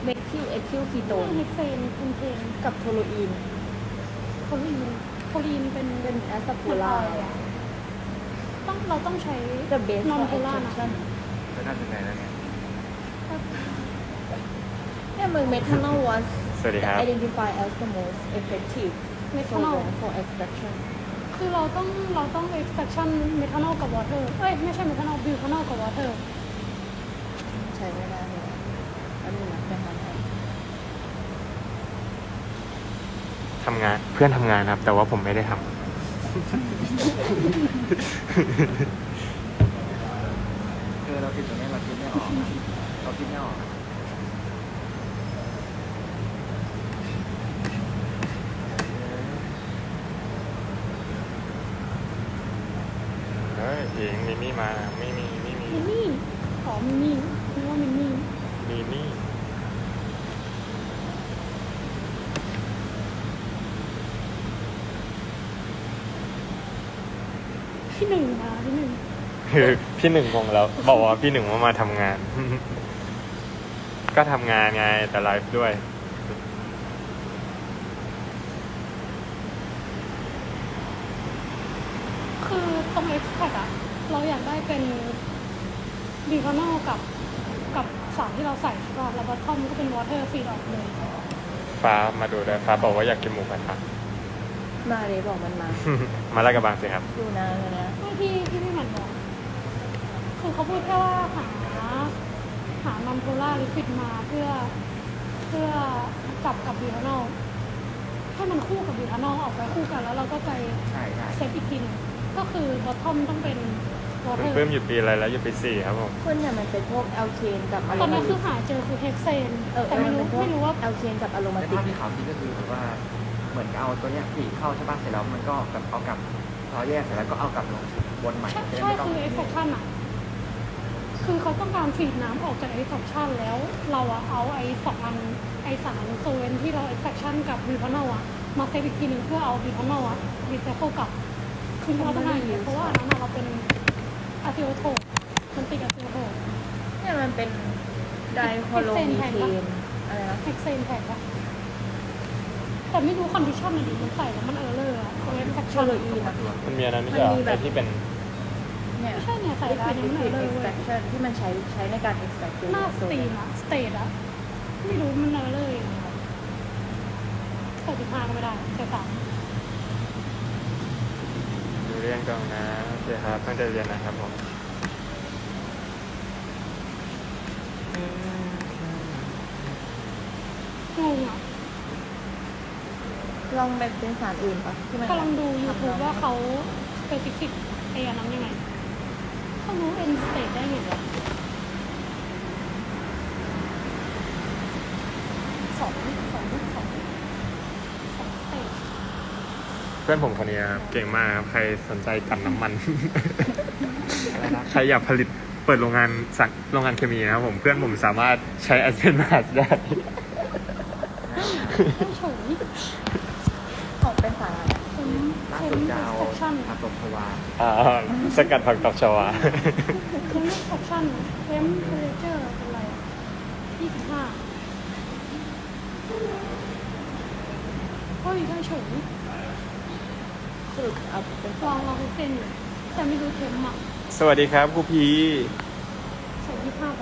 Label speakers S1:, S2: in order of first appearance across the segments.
S1: เมทิลเอทิลคีโตน
S2: เฮกเซนคุณเทน
S1: กับโทโลอีน
S2: โคลีนเป็น
S1: แอสซาปูล่า
S2: เราต้องใช้
S1: the base
S2: นอน
S1: for
S2: โพล่านะ
S1: extraction
S3: ก็น่าจะไงแล้วเนี่ย
S1: เนี่ยมึง methanol was
S3: สวัสดีครับ
S1: identified as the most effective
S2: methanol
S1: solvent for extraction
S2: คือเราต้อง extraction เมทานอลกับ water ไม่ใช่เมทานอลบิวทานอลกับ water
S1: ใช้ไม่ได้เลยอันนี้นะไปหา
S3: ทำงานเพื่อนทำงานครับ แต่ว่าผมไม่ได้ทำคือเราคิดตรงนี้เราคิดไม่ออกเราคิดไม่ออกเฮ้ยหญิงมินี่มาไม่มี
S2: มินนี่มินนี่นึกว่ามินนี่
S3: มีนี่
S2: ที่หนึ่งที่หนึ่ง
S3: คือพี่หนึ่งงงแล้ว บอกว่าพี่หนึ่งว่ามาทำงาน ก็ทำงานไงแต่ไลฟ์ด้วย
S2: คือตรง extract อะเราอยากได้เป็นบิวทานอลกับสารที่เราใส่ใช่ป่ะแล้วบอททอมก็เป็น water feed ออกเลย
S3: ฟ้ามาดูด้วยฟ้าบอกว่าอยากกินหมูกระทะ
S1: มาเลยบอกมันมา
S3: มาลาดกระบังสิครับ
S1: ดูนะเลยนะ
S2: ไม่ที่พี่หมันบอกคือเขาพูดแค่ว่าหานอนโพล่าลิควิดมาเพื่อจับกับบิวทานอลให้มันคู่กับบิวทานอลออกไปคู่กันแล้วเราก็ไปเซตอีกทีนึงก็คือบอททอมต้องเป็น water
S3: เพิ่มอยู่ปีอะไรแล้วอยู่ปี4ครับผม
S1: ส่วนใหญ่มันเป็นพวกแอลเคนกับอะโร
S2: ตอน
S1: มา
S2: นี้คื
S1: ติ
S2: อก หาเจอคือเฮกเซน แต่
S1: มันเป็นพวก
S2: ไม่รู้ว่า
S1: แอลเคนกับอะโรมา
S4: ใน
S1: ติ
S4: ภาก พที่เขาคิดก็คือแบบว่าเหมือนเอาตัวเนี้ยฝีเข้าใช่ป่ะเสร็จแล้วมันก็แบบเอากลับพอแยกเสร็จแล้วก็เอากลับลงวนใหม่
S2: ใช่
S4: จะได้
S2: ใช่
S4: ไม่ต้อง
S2: คือ extraction อ่ะคือเขาต้องการฟีดน้ำออกจาก extraction แล้วเราอะเอาไอ้สองอันไอ้สารโซเวนที่เรา extraction กับบิวทานอลอะมาเซฟอีกทีนึงเพื่อเอาบิวทานอลอะรีไซเคิลกลับคือเราต้องการอย่างนี้เพราะว่าอันนั้นอะเราเป็นอะซิโอโทมันติดอะซิโอโท
S1: เนี่ยมันเป็นไดคอโลมีเทนอะไรนะ
S2: เฮกเซนแทนปะแต่ไม่รู้คอนดิชันอะดิมันใส่แล้วมันเลอร์อะตัว
S1: โท
S2: extraction
S1: โลอีนอะ
S3: มันมีอันนั้นไม่ใช่เหรอ
S1: มันมีแบบ
S3: ไอ้ที่เป็น
S1: เนี่ย
S2: ไม่ใช่เนี่ยใส่ได้เนี่ยมัน
S1: liquid
S2: เลอร์เว้ย
S1: extraction ที่มันใช้ในการ extract
S2: หน้าสตรีมอะสเตทอะไม่รู้มันเลยใส่15ก็ไม่ได้ใส่3
S3: ดูเรียนก่อนนะโอเคครับตั้งใจเรียนนะครับผม
S2: งงอะ
S1: ลองเป็นสารอื่นปะที่มัน
S2: กำลังดู YouTube ว่าเขาสเปซิฟิกไอ้อันนั้นยังไงเขารู้เอ็นสเตทได้ไงวะสองสเตท
S3: เพื่อนผมคนนี้ครับเก่งมากครับใครสนใจกันน้ำมัน
S4: อะไรนะ
S3: ใครอยากผลิตเปิดโรงงานโรงงานเคมีนะครับผมเพื่อนผมสามารถใช้แอสเพนมาสได้
S2: ไม่เฉย
S1: ของเป็นสารอะไร
S2: เป็น
S4: ล่า
S2: เท
S4: สุ
S2: ม
S4: ดจะ
S2: เอ็ก
S4: เอา
S2: ซ์แฟชั่น
S4: ผักตบชวา
S3: สกัดผักตบชวา
S2: เทมเอ็กซ์แฟชั่นเทมเพอเรเจอร์เป็นไรอะ25เฮ้ยได้เฉย
S1: สรุปเอาเป็น
S2: ลองเซ็นอยู่แต่ไม่รู้เทมอ่ะ
S3: สวัสดีครับครูพี
S2: ใส่25ไป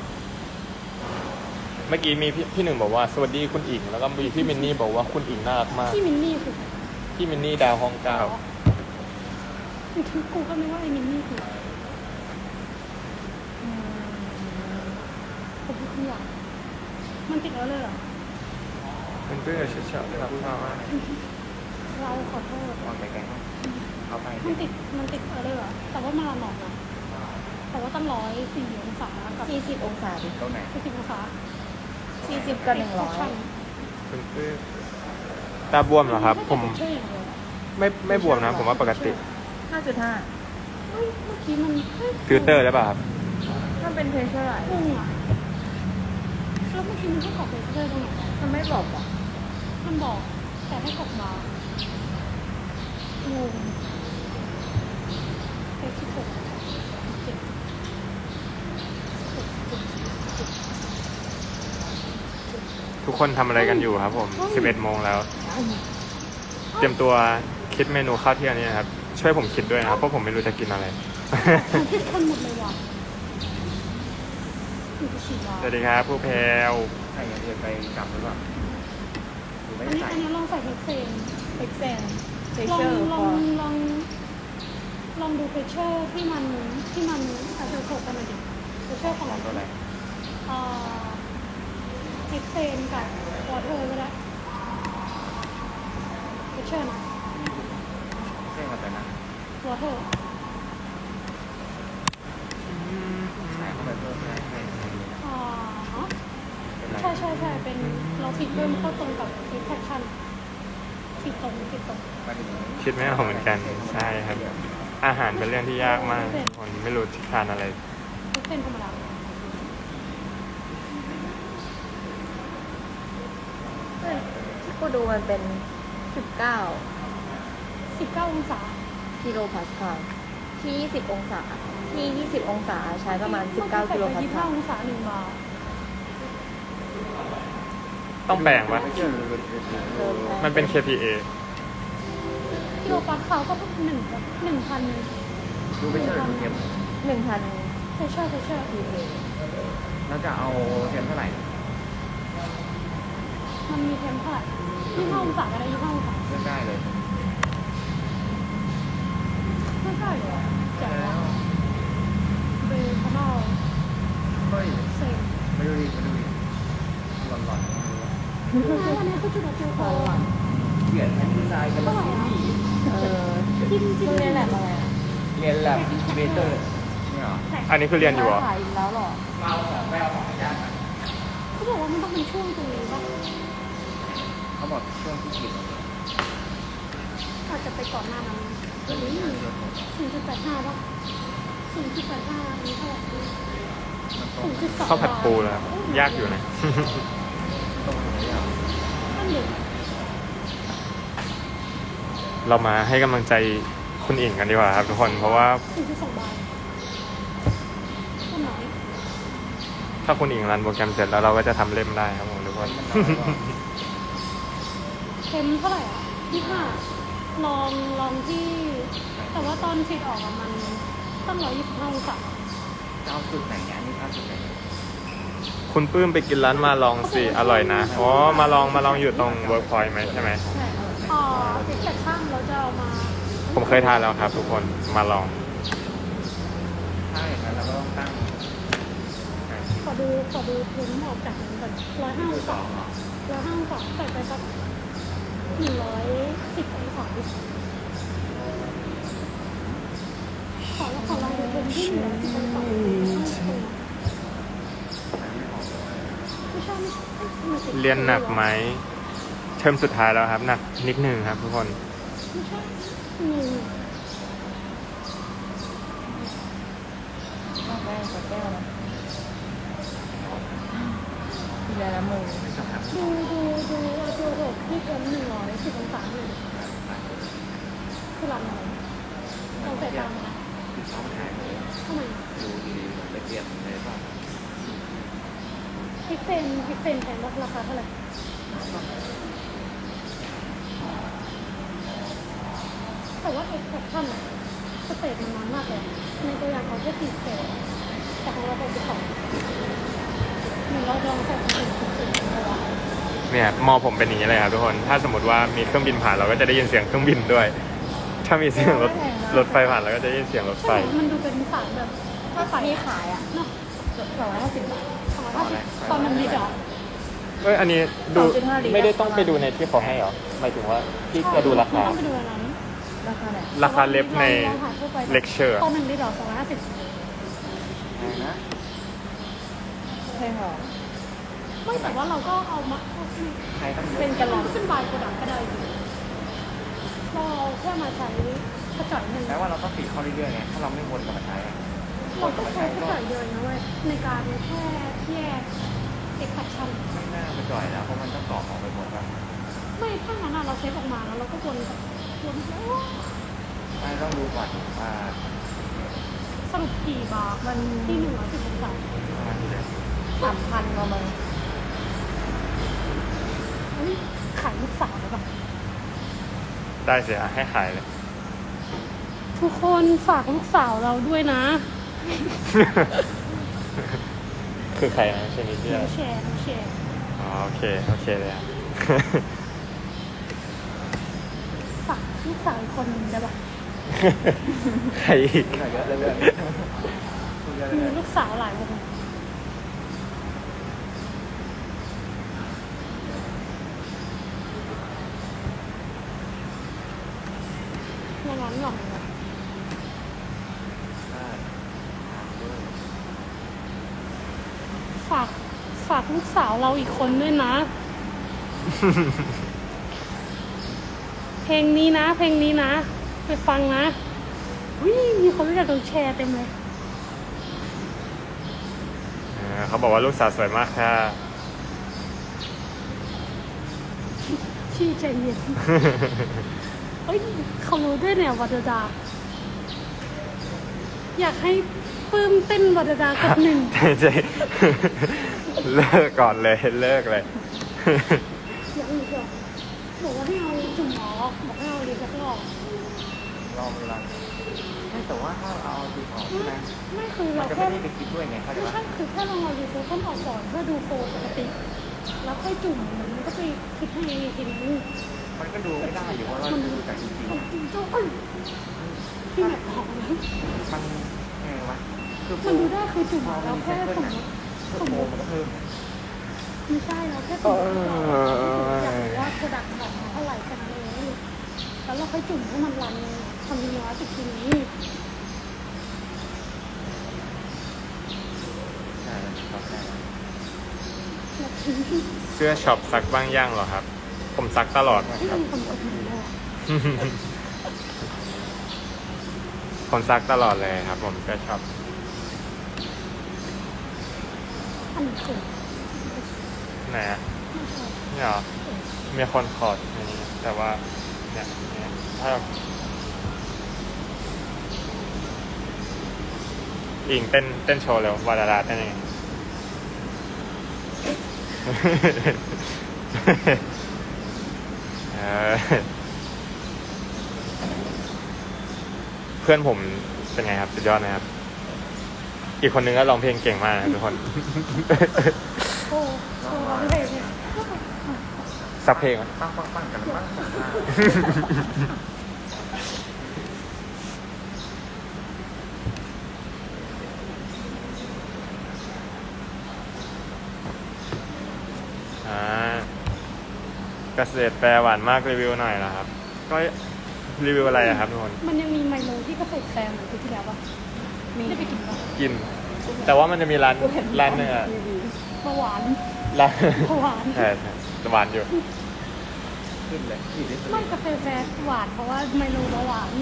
S3: เมื่อกี้มีพี่หนึ่งบอกว่าสวัสดีคุณอิงแล้วก็มีพี่มินนี่บอกว่าคุณอิงน่ารักมาก
S2: ที่มินนี่คือ
S3: พี่มินนี่ดาวห้องเก้า
S2: คือกูก็นึกว่าไอ้มินนี่คือผมพูดคำหยาบมันติดแล้วเลยเหรอ
S3: เพื่อนๆเฉยๆครับพ่อว่า
S2: เราขอโทษ
S4: วางไปแกงเอาไป
S2: มันติดเลยเหรอแต่ว่ามาลาหนอกนะแต่ว่าตั้ง104 องศากับ
S1: 40 องศาดิ
S4: ตรงไหน
S2: 40 องศา
S1: 40 กับ
S3: เพื่อนๆตาบวมเหรอครับ ผม
S2: ใช่อย่างเดียว
S3: ไม่บวมนะ ผมว่าปกติ
S1: 100 5.5
S2: เฮ้ยเมื่อกี้มัน
S3: ฟิลเตอร์ได้ป่ะครับ
S1: มันเป็นเพรสเชอร์ไร
S2: งงอ่ะแล้วเมื่อกี้มันให้กรอกเลเซอร์ตรงไหนวะ
S1: มันไม่บอกหรอ
S2: มันบอกแต่ให้กรอกมา งงเลข16 17
S3: ทุกคนทำอะไรกันอยู่ครับผม 11 โมงแล้ว เตรียมตัวคิดเมนูข้าวเที่ยงนี้นะครับ ช่วยผมคิดด้วยนะครับ เพราะผมไม่รู้จะกินอะไร
S2: ของที่คนหมดเลยว่ะอยู่ที่4 บาท
S3: สวัสดีครับผู้แพรว
S4: ใครอยากไปกลับหรือเปล่าหรือไม่
S2: อัน
S4: ได้
S2: นี้
S4: ใส่
S2: อันนี้ลองใส่เฮกเซน
S1: เอ็กเซนเท
S2: ลอ
S1: เช
S2: ง
S1: อร์
S2: ล
S1: ฟ
S2: อ
S1: อง ร์
S2: ลองดูเฟเชอร์ที่มันอาจจะถกกันหน่อยดิเฟเชอร์ของ
S4: ของตัวอะไร
S2: เฮกเซนกับวอเตอร์ก็ได้เฟเชอร์นะ
S4: เส้นกับตัวนั้น
S2: วอเตอร์
S4: ใส่เข้าไปเพิ่มให้ดีนะ เป็นไร
S2: ใช่เป็นเราฟิตเพิ่มเข้าตรงกับฟิตแพคชั่นฟิตตรง
S4: มาถึง
S3: คิดไม่ออกเหมือนกัน ใช่ครับ อาหารเป็นเรื่องที่ยากมากคนไม่รู้จะทานอะไร
S2: เฮกเซนธรรมดา
S1: เฮ้ยที่กูดูมันเป็น 19
S2: 19 องศา
S1: กิโลพาสคาลที่ 20 องศา ที่ 20 องศาใช้ประมาณ 19 กิโลพาสคาล
S2: 25 องศา1 บาร์
S3: ต้องแบ่งวะ
S4: ไม่เชื่อหรือ
S3: มันเป็น KPA
S2: กิโลปาสคาลก็ต้อง1,000
S4: ดูไม่เชื่อหรือเทียม
S1: 1,000
S2: เฟเชอร์
S1: PA
S4: แล้วจะเอาเทียมเท่าไหร่
S2: มันมีเทมเท่าไหร่25 องศาก็ได้25 องศา
S4: เลือกได้เลย
S2: ไม่ใช่เหรอแจ๋วอะเบคอนอล
S4: เฮ้ย
S2: เซ็ง
S4: มาดูดิหลอนๆไม่รู้ว่า
S2: อันนี้คือจุดเดียวพอ
S4: เขียนแผ่นดีไซน์กันแล้วซีรีส์
S2: จิ้ม
S1: มึงเรียนแลบอะไรอ่ะ
S4: เรียนแลบอินคิวเบเตอร์เนี่ยเหรอ
S3: อันนี้คือเรียนอยู่เหรอ
S1: ขายอีกแล้วเหรอ
S4: เอาของไม่เอาของยาก
S2: เขาบอกว่ามันต้องเป็นช่วงตรงนี้ป่ะ
S4: เขาบอกช่วงที่กิน
S2: อาจจะไปก่อนหน้านั้น
S4: ก็เลยงานเยอะ
S2: 0.85ป่ะ0.85นี้เท่าไหร่
S4: มันตรง
S2: 0.2
S3: ข้าวผัดปูแล้วยากอยู่นะ
S4: ตรงไหนอ่ะ
S2: นั่นเด็ก
S3: เรามาให้กำลังใจคุณอิงกันดีกว่าครับทุกคน เพราะว่า
S2: 0.2 บาทก็น้อย
S3: ถ้าคุณอิงรันโปรแกรมเสร็จแล้วเราก็จะทำเล่มได้ครับผมทุกคน
S2: เค็มเท่าไหร่อ่ะ25ลองที่ แต่ว่าตอนฟีดออกอะมันต้อง125 องศา
S4: จะเอาจุดไหนเนี่ยอันนี้เอาจุดไหน
S3: คุณปื้มไปกินร้านมาลองสิ อร่อยนะ อ๋อ มาลองอยู่ตรงเวิร์กพอยต์ไหมใช่ไหม
S1: ใช่
S2: เด็กแต่ช่างเราจะเอามา
S3: ผมเคยทานแล้วครับทุกคน มาลอง
S4: ถ้าอย่างนั้นเราก็ต้องตั้ง
S2: ขอดูเค็มออกจากนั้นก่อน105 องศา105 องศาใส่ไปสัก110 องศาดิขอลองดูเค็มที่110 องศาไม่ใช่
S3: เรียนหนักไหม เทอมสุดท้ายแล้วครับ หนักนิดนึงครับทุกคน
S2: ไม่ใช่
S1: ต้องแป้งกับแก้วนะทีละละมึง
S4: ไม่ต้องทำ
S2: ดูตัวหกที่เค็ม110 องศาอยู่คือลำไหนเราใส่ตามนะ
S4: ติดช่องถ่ายเลย
S2: ทำไม
S4: ดูดีๆละเอียดเลยป่ะ
S2: พิกเซนแพงราคาเท่าไหร่แต่ว่า extraction สเตจมันน้อยมากเลยในตัวอย่างเขาแค่4 สเตจแต่ของเราเป็น12หนึ่งเราลองใส่เป็น10เอาไว้
S3: เนี่ยมอผมเป็นอย่างนี้เลยครับทุกคน ถ้าสมมติว่ามีเครื่องบินผ่านเราก็จะได้ยินเสียงเครื่องบินด้วย ถ้ามีเสียงรถไฟผ่านเราก็จะได้ยินเสียงรถไฟ
S2: ใช่ไหมมันดูเป็นสายแบบ
S1: ถ้ามีขายอ่ะ
S2: เนาะ
S1: 250 บาท
S2: ตอนมันมีดอก
S3: เอ้ย อันนี้ดู
S1: 2.5 ลิตร
S3: ไม่ได้ต้องไปดูในที่เขาให้เหรอ หมายถึงว่าที่จะดูราคา
S2: ต้องไปดูอันนั้น
S1: ราคาไหน
S3: ราคาเล็บใน
S2: ลองหาทั่วไป
S3: lecture
S2: ตอน1 ลิตร250
S4: อะไรนะ
S1: แพงเหรอ
S2: ไม่แต่ว่าเราก็เอามา
S4: ใครต้องเย
S1: เป็
S4: อะ
S1: นกะลอน
S2: เป็นบายโปรดักต์ก็ได้อยู่เราแค่มาใช้กระจายหนึ่ง
S4: แปลว่าเราต้องปิดเข้าเรื่อยๆไง ถ้าเราไม่วนกลับมาใช้อะ
S2: เราก็ใช้กระจายเยอะนะเว้ยในการแค่แยกเอกชัน
S4: ไม่น่าไปจ่อยแล้ว เพราะมันต้องกรอกออกไปหมดแล้ว
S2: ไม่ถ้างั้นอะเราเซฟออกมาแล้วเราก็วนแล้ว
S4: ไม่ต้องดูก่อนว่า
S2: สรุปกี่บาร์
S1: มัน
S2: ที่110 องศา
S4: ประมาณนี้เลย
S1: 3,000กว่ามึง
S3: ได้เสียให้หายเลย
S2: ทุกคนฝากลูกสาวเราด้วยนะ
S3: คือใครนะชนิดที่อะไร
S2: แชร์แชร์
S3: อ๋อโอเคโอเคเลยอ่ะ
S2: ฝากลูกสาวอีกคนหนึ่งได้ปะ
S3: ใครอีก
S4: เหนื่อยเยอะเลยเลยคุยเยอะเล
S2: มี
S4: ย
S2: ลูกสาวหลายวงในนั้นหรอก ฝากลูกสาวเราอีกคนด้วยนะ เพลงนี้นะ เพลงนี้นะ ไปฟังนะวิมีคนรู้จักโดนแชร์เต็มเลย
S3: เขาบอกว่าลูกสาวสวยมากค่ะ
S2: ที่ใจเย็น เฮ้ยเขารู้ด้วยเนี่ยวัดดา อยากให้ปื้มเต้นวัดดากับหนึ่ง
S3: ใจเลิกก่อนเลยเลิกเลย
S2: ยังอีกเหรอบอกว่าให้เอาจุ่มหมอบอกให้เอาเรียนสักรอบ
S4: ลองเวลาไม่แต่ว่าถ้าเอาจุดออกใช่ไหม
S2: ไม่คือ
S4: มั
S2: เรา
S4: นจะ
S2: แค่
S4: ไม่ได้ไปคิดด้วยไงเข้าใจ
S2: ไม่
S4: ปะ
S2: ใช่คือแค่เราเอาดีโฟต้นออกก่อนเพื่อดูโฟปกติ แล้วค่อยจุ่มมันก็ไปคิดให้อีกทีนึง
S4: มันก็ดูไม่ได้อยู่ว่าเราจะดูจากจริง
S2: จริงๆเจ้าที่แบบของนะ
S4: ๆมันไงวะคือ
S2: มันดูได้คือจุ่มเราแค่สมมติ
S4: โมมันก็เพิ่ม
S2: ไม่ใช่เราแค่สมมติอยากรู้ว่าโปรดักต์ของเท่าไหร่แค่นั้นเองแล้วเราค่อยจุ่มให้มันรันคำนวณอีกทีนี้
S4: ใช่ครับใช่
S2: แบบทิ้ง
S3: เสื้อช็อปซักบ้างย่างเหรอครับ ผมซักตลอด
S2: ที่มีคนกดหนูเลย
S3: ผมซักตลอดเลยครับ ผมเสื้อช็อป
S2: อันนี้คือ
S3: ไหนอะ
S2: ไม่ใช่
S3: เนี่ยเหรอมีคนขอดอันนี้แต่ว่าเนี่ยถ้าอิงเต้นโชว์เร็ววาดาดาเต้นยังไง เออเพื่อนผมเป็นไงครับสุดยอดนะครับ อีกคนนึงก็ร้องเพลงเก่งมากนะทุกคน
S2: โอ้โชว์ร้องเพลงเนี่ย
S3: สักเพลงไหม
S4: ปั้งกันปั้ง
S3: เกษตรแฟร์หวานมากรีวิวหน่อยนะครับ ก็รีวิวอะไรอะครับทุกคน
S2: มันยังมีไมโลที่เกษตรแฟร์เหมือนปีที่แล้วปะได้ไปกินปะ
S3: กิน แต่ว่ามันจะมีร้านหนึงอะ
S2: เบาหวาน
S3: ร้าน
S2: เบาหวาน
S3: ใช่หวานอยู่
S4: ขึ้นเลยขี่ได้สุด
S2: ไม่กาแฟแฟร์หวานเพราะว่าไมโลเบาหวาน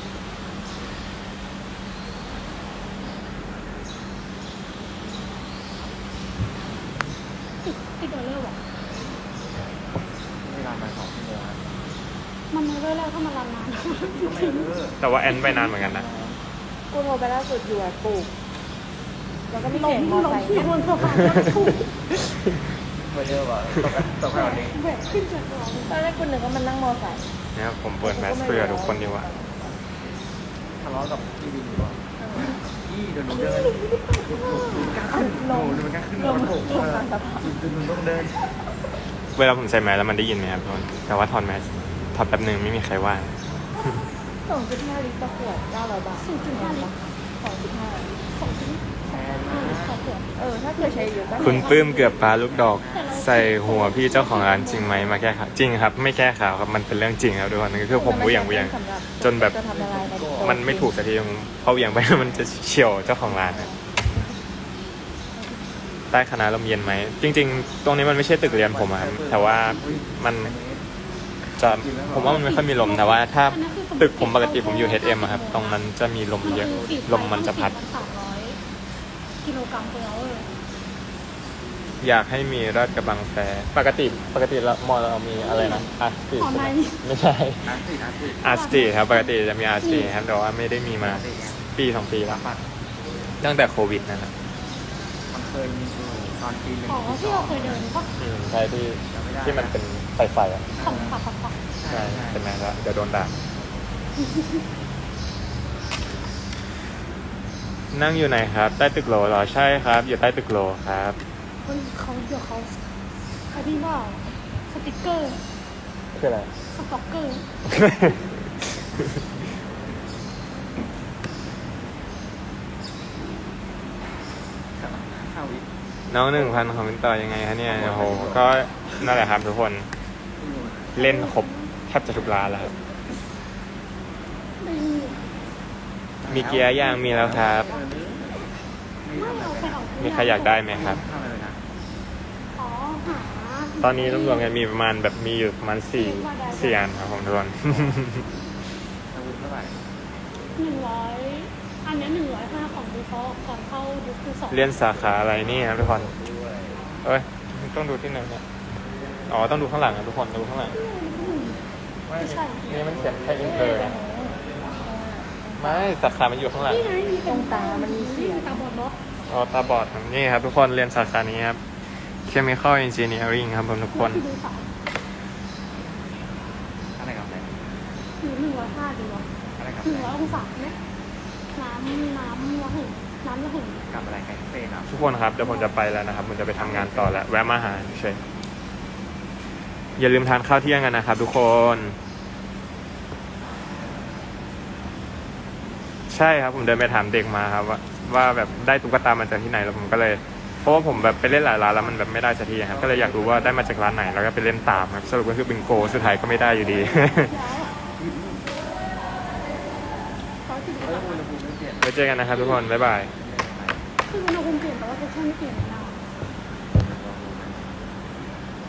S2: ติดออเดอร์ว่ะ
S4: เวลามา2 ชั่วโมงนะ
S2: มันออเดอร์แล้วถ้ามันรันนาน
S4: ก็ไม่เออ
S3: แต่ว่าแอนไปนานเหมือนกันนะ
S1: กูโทรไปล่าสุดอยู่อะปลูก แล้วก็มี
S2: ล
S1: เสี
S2: ง
S1: ยงมอ
S2: ลง
S1: ไซค์
S2: ที่บนสะพานแล้วถูก
S4: ไม่เยอะว่ะตกไปเอาเอง
S2: แหวกขึ้นจากเรา
S1: ตอนแรกกูนึกว่ามันนั่งมอไซค์
S3: เนี่ยผมเปิดแมสเพื่อทุกคนดีกว่า
S4: ทะเลาะกับพี่วินอยู่อ่ะพี่เดี๋ยวหนูเดินหนูกล้าขึ้นหนูกล้าขึ้นรถผมหนูต้องเดิน
S3: เวลาผมใส่แมสแล้วมันได้ยินไหมครับทุกคนแต่ว่าถอดแมสถอดแป๊บหนึ่งไม่มีใครว่า
S1: 2.5 ลิตรต่อขวด900 บาท
S2: 0.5 ลิตร
S1: 2.5
S2: 2.5 ลิตรต่อขวด
S1: ถ้าเกิดใช้เยอะก็
S3: คุณปื้มเกือบปลาลูกดอก ใส่หัวพี่เจ้าของร้านจริงไหมมาแก้ข่าวจริงครับ ไม่แก้ข่าวครับมันเป็นเรื่องจริงครับทุกคนคือผมเหวี่ยงจนแบบ
S1: จะทำละลายในโต๊ะ
S3: มันไม่ถูกสักทีพอเหวี่ยงไป มันจะเฉี่ยวเจ้าของร้านครับใต้คณะลมเย็นไหมจริง ๆ ตรงนี้มันไม่ใช่ตึกเรียนผมอะครับแต่ว่ามันจะผมว่ามันไม่ค่อยมีลมแต่ว่าถ้าตึกผมปกติผมอยู่ HM อะครับตรงนั้นจะมีลมเยอะลมมันจะพัด
S2: 300 กิโลกรัมต่อเวอร์
S3: อยากให้มีราชกระบังแฟร์ปกติแล้วมอเรามีอะไรนะอาร์ตสตรีทไม่ใช่ อาร์ตสตรีทครับปกติจะมีอาร์ตสตรีทครับแต่ว่าไม่ได้มีมาปี2 ปีแล้ว
S4: ปัด
S3: ตั้งแต่โควิดนะครับ
S4: มันเคยมีอยู่ตอนปี 1
S2: อ๋อที่เราเคยเดินปะ
S3: ใช่ที่มันเป็นไฟอะ
S2: ของปัก
S3: ใใช่เป็นไงแล้วเดี๋ยวโดนด่านั่งอยู่ไหนครับ ใต้ตึกโหลเหรอ ใช่ครับ อยู่ใต้ตึกโหลครับ
S2: เฮ้ยเดี๋ยวเขาอันนี้ว่าสติกเกอร์
S3: คืออะไร
S2: สต็อกเกอร์
S4: เข้าอีก
S3: น้อง1,000คอมเมนต์ต่อยังไงฮะเนี่ยโอ้โหก็นั่นแหละครับทุกคนเล่นครบแทบจะทุกร้านแล้วครับ
S2: ไม่
S3: มีเกียร์ย่างมีแล้วครับ
S2: เอาไปเอา
S3: มีใครอยากได้ไหมครับ
S4: เข้าไปเลยนะ
S2: อ๋อหา
S3: ตอนนี้รวมๆกันมีประมาณแบบมีอยู่ประมาณ4อันครับผมทุกคน
S4: อาวุธเท่าไหร่
S2: 100อันนี้105ของดีฟอลต์ก่อนเข้าดิสคู2
S3: เรียนสาขาอะไรนี่ครับทุกคนเอ้ยต้องดูที่ไหนเนี่ยอ๋อต้องดูข้างหลังนะทุกคนดูข้างหลัง
S2: ไม่ใช่
S3: นี่มันเขียนแค่อินเตอร์ไม่สาขามันอยู่ข้างหลัง
S2: นี่ไงมี
S1: ตรงตามันมีเขียน
S2: ตาบอดเนาะ
S3: อ๋อตาบอดครับนี่ครับทุกคนเรียนสาขานี้ครับ Chemical Engineering ครับผมทุกคน
S2: ดูสาย
S4: อะไรกับอะไร
S2: หรือ105ดีวะ
S4: อะไรกับ
S2: 100องศาไหมน้ำระหึ่งน้ำระหึ่ง
S4: กับอะไรไก่เฟ่ครับ
S3: ทุกคนครับเดี๋ยวผมจะไปแล้วนะครับผมจะไปทำงานต่อแล้วแวะมาหาเฉยอย่าลืมทานข้าวเที่ยงกันนะครับทุกคนใช่ครับผมเดินไปถามเด็กมาครับว่าแบบได้ตุ๊กตามาจากที่ไหนแล้วผมก็เลยเพราะว่าผมแบบไปเล่นหลายร้านแล้วมันแบบไม่ได้สักทีครับก็เลยอยากรู้ว่าได้มาจากร้านไหนแล้วก็ไปเล่นตามครับสรุปก็คือบิงโกสุดท้ายก็ไม่ได้อยู่ดี
S2: ยาว140
S4: อุณหภูมิไม่เปลี่ยน
S3: ไว้เจอกันนะครับทุกคนบ๊ายบาย
S2: คืออุณหภูมิเปลี่ยนแต่ว่าเทคชั่นไม่เปลี่ยนนะ